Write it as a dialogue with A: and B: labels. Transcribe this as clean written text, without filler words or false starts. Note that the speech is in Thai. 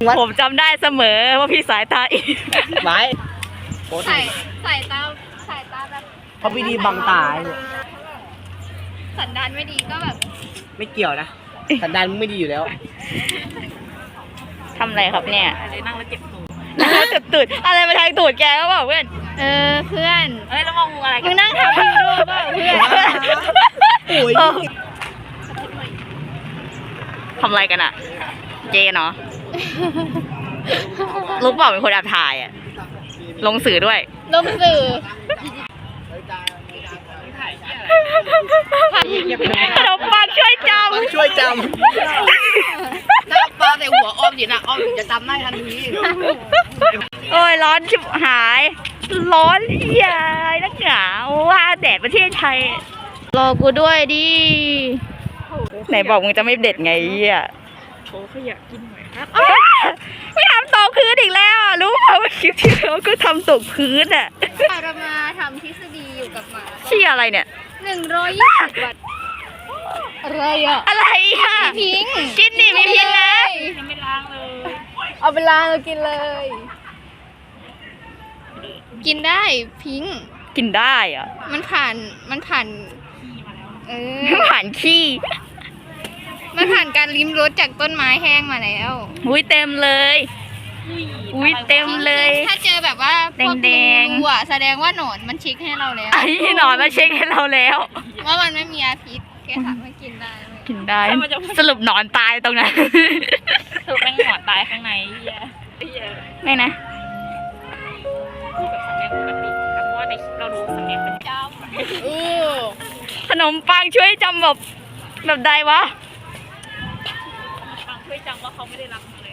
A: ผมจำได้เสมอว่าพี่สายตาอีก
B: ไว้
C: สายตาแบบ
B: เขาไม่ดีบังตา
C: สันดานไม่ดีก็แบบ
B: ไม่เกี่ยวนะสันดานมึงไม่ดีอยู่แล้ว
A: ทำอะไรครับเนี่ยนั่งแล้วเจ็บตูดนั่งแล้วเจ็บตูดอะไรมาทางตูดแกก็บอกเพื่อน
C: เพื่อน
A: เฮ้ยแล้วมองอะไร
C: มึงนั่งทำยูโดเปล่าเพื่อน
B: โอ้ย
A: ทำอะไรกันอะเจนเนาะลูกบอกเป็นคนแอบถ่ายอะลงสื่อด้วย
C: ลงสื่อ
A: ขนมปังช่วยจ
B: ช่วยจ
D: ถ้าปลาใส่หัวอ้อมอยู่นะอ้อมถึงจะจำได้ทันที
A: ำโอ้ยร้อนชิบหาย ร้อนใหญ่นักหนาว่าแดดประเทศไทย รอกูด้วยดิไหนบอกมึงจะไม่เด็ดไงเหี้ยโถขยะกินหน่อยครับไม่ทำตกพื้นอีกแล้วอะรู้ป่าวว่าคลิปที่แล้วก็ทำตกพื้นอ่ะ
C: เรามาทำทฤษฎีอยู่กับหมา
A: เชี่ยอะไรเนี่ย
C: 120 วัตต์อะไรอ่ะ
A: อะไรอ่ะ
C: พิง
A: กินดิมีพิษนะ
C: เอาไปล้างแล้วกินเลย กินได้พิง
A: กินได้เหรอ่ะ
C: มันผ่าน
A: ผ่านขี้
C: มันผ่านการลิ้มรสจากต้นไม้แห้งมาแล้ว
A: อุ้ยเต็มเลยอุ้ยเต็มเลย
C: ถ้าเจอแบบว่าพวก
A: แดงๆ
C: รูอ่ะแสดงว่าหนอนมันเช็คให้เราแล้ว
A: ไอ้หนอนมาเช็คให้เราแล้ว
C: ว่ามันไม่มีอาพิษแค่ถามว่ากินได้ไหม
A: กินได้ สรุปหนอนตายตรงนั้น
D: สรุปแม่งหอนตายข้างในเฮีย
A: ไม่นะ
D: พูดแบบสำเนียงปกติเพราะว่าในคลิปเราดูสำเนียงเป็นเจ้า
A: ขนมปังช่วยจำแบบใดวะ
D: ฟังช่วยจำว่าเขาไม่ได้รักเลย